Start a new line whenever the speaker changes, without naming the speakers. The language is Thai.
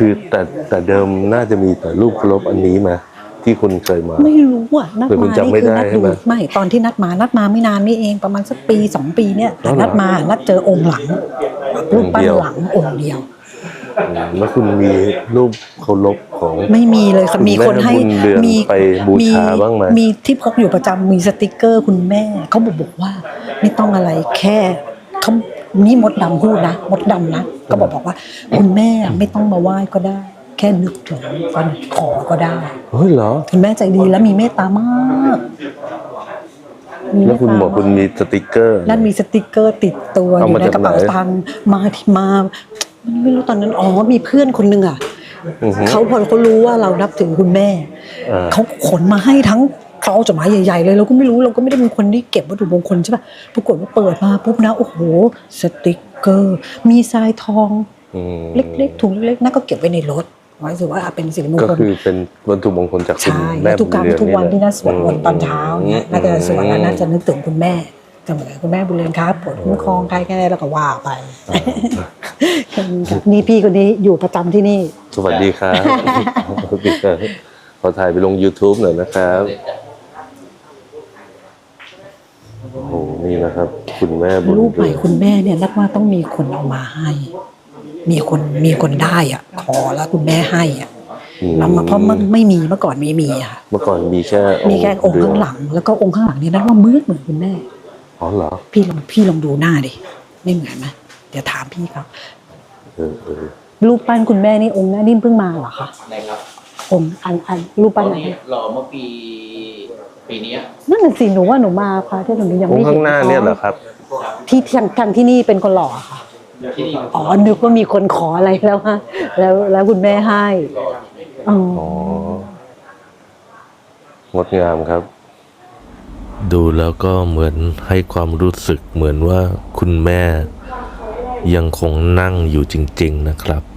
คือแต่เดิมน่าจะมีแต่รูปเคารพอันนี้มาที่คุณเคยมา
ไม่รู้อ่ะนัดมานี่คือนัดดูไม่ตอนที่นัดมาไม่นานนี่เองประมาณสักปี2 ปีเนี่ยนัดเจอองค์หลังรูปปั้นหลังองค์เดียว
แล้วคุณมีรูปเคารพของ
ไม่มีเลยค่ะมีคนให้
มีไปบูชาบ้างไหม
มีที่พกอยู่ประจำมีสติกเกอร์คุณแม่เขาบอกว่าไม่ต้องอะไรแค่เขานี่มดดำพูดนะมดดำนะก็บอกว่าคุณแม่ไม่ต้องมาไหว้ก็ได้แค่นึกถึงกันขอก็ได้
เฮ้ยเหรอ
คุณแม่ใจดีและมีเมตตามาก
แล้วคุณบอกคุณมีสติกเกอร์
นั่นมีสติกเกอร์ติดตัวอยู่ในกระเป๋าตังค์มาไม่รู้ตอนนั้นมีเพื่อนคนนึงอ่ะเขาพอเขารู้ว่าเรานับถือคุณแม่เขาขนมาให้ทั้งกระเป๋าจดหมายใหญ่ๆเลยเราก็ไม่รู้เราก็ไม่ได้เป็นคนที่เก็บวัตถุมงคลใช่ป่ะปรากฏว่าเปิดมาปุ๊บนะโอ้โหสติกเกอร์มีทรายทองเล็กๆถุงเล็กๆนั่นก็เก็บไว้ในรถไว้ถือว่าเป็นสิริมงคล
ก็คือเป็นวัตถุมงคลจากคุณแม่
ทุกครั้งทุกวันที่น่าสวดมนต์ตอนเช้าเนี่ยน่าจะสวดแล้วน่าจะนึกถึงคุณแม่จะเหมือนคุณแม่บุญเรือนครับปวดคุ้มครองใครแค่ไหนแล้วก็ว่าไปนี่พี่คนนี้อยู่ประจำที่นี่
สวัสดีครับขอถ่ายไปลง YouTube หน่อยนะครับโอ้โหนี่นะครับคุณแม่บุญ
รูปใหม่คุณแม่เนี่ยนัดว่าต้องมีคนเอามาให้มีคนได้อ่ะขอแล้วคุณแม่ให้อ่ะแล้วเพราะมันไม่มีเมื่อก่อนไม่มีอ่ะ
เมื่อก่อนมีแค่
องค์ข้างหลังแล้วก็องค์ข้างหลังนี่นัดว่าเหมือนคุณแม่
อ๋อเหรอ
พี่ลองดูหน้าดิไม่เหมือนไหมเดี๋ยวถามพี่เขารูปปั้นคุณแม่นี่องค์หน้านิ่มเพิ่งมาเหรอคะ
ไหนครับ
องค์อันรูปปั้นอะไร
รอเมื่อปีนี้
นั่นน่ะสิหนูว่าหนูมาค่ะที่หนูยังไม่เห็น
ข้างหน้าเนี่ยเหรอครับ
ที่ทางที่นี่เป็นคนหล่อค่ะนึกว่ามีคนขออะไรแล้วฮะแล้วคุณแม่ให้
งดงามครับดูแล้วก็เหมือนให้ความรู้สึกเหมือนว่าคุณแม่ยังคงนั่งอยู่จริงๆนะครับ